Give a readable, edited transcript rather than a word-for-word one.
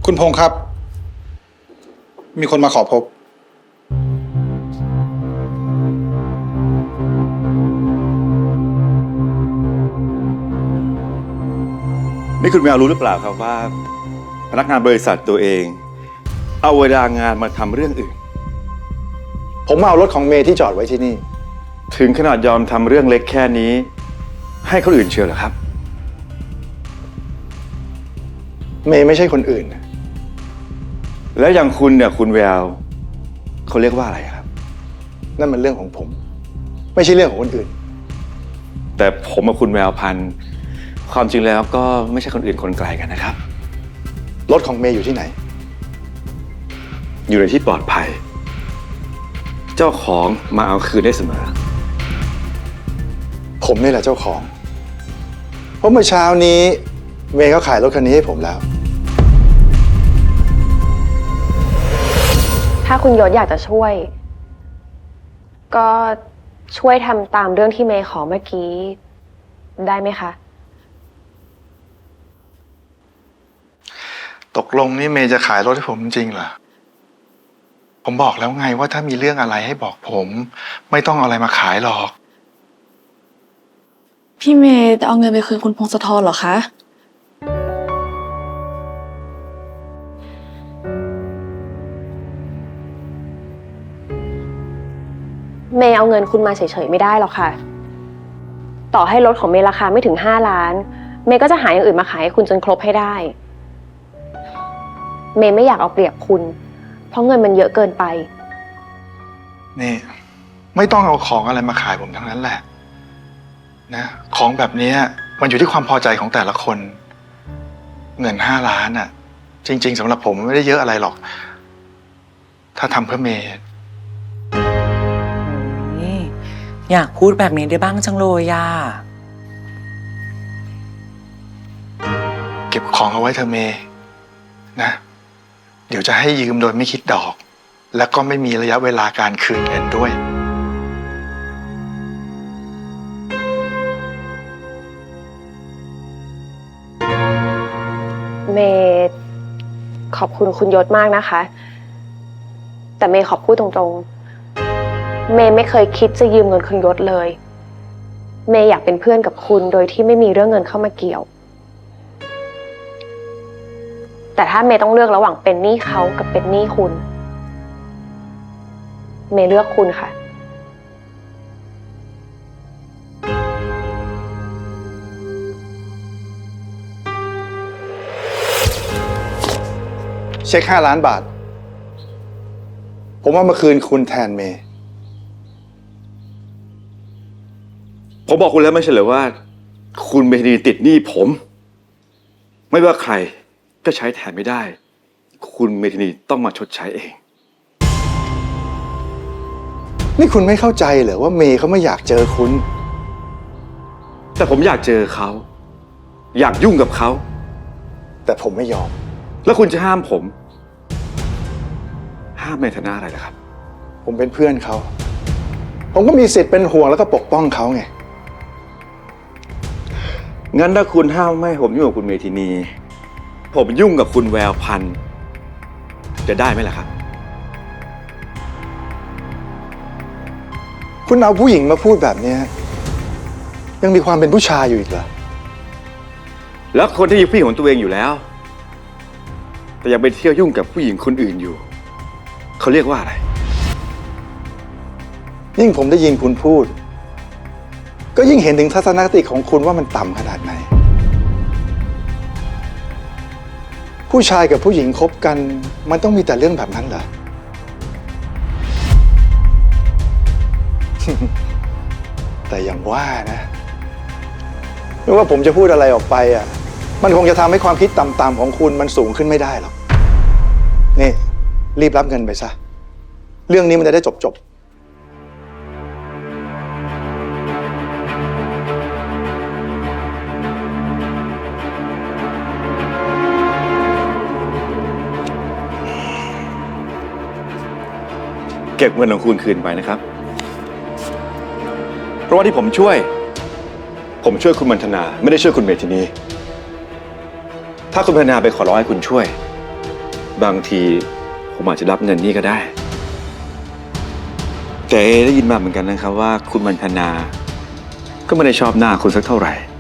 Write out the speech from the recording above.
คุณพงษ์ครับ มีคนมาขอพบนี่คุณแมวรู้หรือเปล่าครับว่าพนักงานบริษัทตัวเองเอาเวลางานมาทำเรื่องอื่นผมมาเอารถของเมย์ที่จอดไว้ที่นี่ถึงขนาดยอมทำเรื่องเล็กแค่นี้ให้คนอื่นเชียวเหรอครับเมย์ไม่ใช่คนอื่นแล้วอย่างคุณเนี่ยคุณแววเขาเรียกว่าอะไรครับนั่นมันเรื่องของผม ไม่ใช่เรื่องของคนอื่นแต่ผมกับคุณแววพันธุ์ความจริงแล้วก็ไม่ใช่คนอื่นคนไกลกันนะครับรถของเมย์อยู่ที่ไหนอยู่ในที่ปลอดภัย เจ้าของมาเอาคืนได้เสมอผมนี่แหละเจ้าของ เพราะเมื่อเช้านี้เมย์เขาขายรถคันนี้ให้ผมแล้วถ้าคุณยศอยากจะช่วย ก็ช่วยทำตามเรื่องที่เมย์ขอเมื่อกี้ได้ไหมคะตกลงนี่เมย์จะขายรถให้ผมจริงเหรอ ผมบอกแล้วไงว่าถ้ามีเรื่องอะไรให้บอกผม ไม่ต้องเอาอะไรมาขายหรอกพี่เมย์จะเอาเงินไปคืนคุณพงศธรเหรอคะเมย์เอาเงินคุณมาเฉยๆไม่ได้หรอกค่ะ ต่อให้รถของเมย์ราคาไม่ถึง5 ล้าน เมย์ก็จะหาอย่างอื่นมาขายให้คุณจนครบให้ได้ เมย์ไม่อยากเอาเปรียบคุณ เพราะเงินมันเยอะเกินไปนี่ไม่ต้องเอาของอะไรมาขายผมทั้งนั้นแหละนะของแบบนี้มันอยู่ที่ความพอใจของแต่ละคน เงิน5 ล้านอ่ะ จริงๆสำหรับผมไม่ได้เยอะอะไรหรอก ถ้าทำเพื่อเมย์อยากพูดแบบนี้ได้บ้างจังเลยย่าเก็บของเอาไว้เธอะเมย์นะ เดี๋ยวจะให้ยืมโดยไม่คิดดอก แล้วก็ไม่มีระยะเวลาการคืนเงินด้วยเมย์ขอบคุณคุณยศมากนะคะ แต่เมย์ขอพูดตรงๆ เมย์ไม่เคยคิดจะยืมเงินคุณยศเลย เมย์อยากเป็นเพื่อนกับคุณโดยที่ไม่มีเรื่องเงินเข้ามาเกี่ยว แต่ถ้าเมย์ต้องเลือกระหว่างเป็นหนี้เขากับเป็นหนี้คุณ เมย์เลือกคุณค่ะเช็ค5 ล้านบาท ผมเอามาคืนคุณแทนเมย์ผมบอกคุณแล้วไม่ใช่เหรอว่า คุณเมธีติดหนี้ผม ไม่ว่าใครก็ใช้แทนไม่ได้ คุณเมธีต้องมาชดใช้เองนี่คุณไม่เข้าใจเหรอว่าเมย์เขาไม่อยากเจอคุณแต่ผมอยากเจอเขา อยากยุ่งกับเขาแต่ผมไม่ยอมแล้วคุณจะห้ามผม ห้ามในฐานะอะไรล่ะครับผมเป็นเพื่อนเขา ผมก็มีสิทธิ์เป็นห่วงแล้วก็ปกป้องเขาไงงั้นถ้าคุณห้ามไม่ให้ผมยุ่งกับคุณเมธินี ผมยุ่งกับคุณแววพันธุ์จะได้ไหมล่ะครับคุณเอาผู้หญิงมาพูดแบบนี้ยังมีความเป็นผู้ชายอยู่อีกเหรอแล้วคนที่มีผู้หญิงของตัวเองอยู่แล้ว แต่ยังไปเที่ยวยุ่งกับผู้หญิงคนอื่นอยู่ เขาเรียกว่าอะไรยิ่งผมได้ยินคุณพูด ก็ยิ่งเห็นถึงทัศนคติของคุณว่ามันต่ำขนาดไหน ผู้ชายกับผู้หญิงคบกันมันต้องมีแต่เรื่องแบบนั้นเหรอ แต่อย่างว่านะไม่ว่าผมจะพูดอะไรออกไปอ่ะมันคงจะทำให้ความคิดต่ำๆของคุณมันสูงขึ้นไม่ได้หรอกนี่รีบรับเงินไปซะเรื่องนี้มันจะได้จบเก็บเงินของคุณคืนไปนะครับ เพราะว่าที่ผมช่วย คุณมันธนาไม่ได้ช่วยคุณเมธินี ถ้าคุณมันธนาไปขอร้องให้คุณช่วยบางทีผมอาจจะรับเงินนี่ก็ได้ แต่ได้ยินมาเหมือนกันนะครับว่าคุณมันธนา ก็ไม่ได้ชอบหน้าคุณสักเท่าไหร่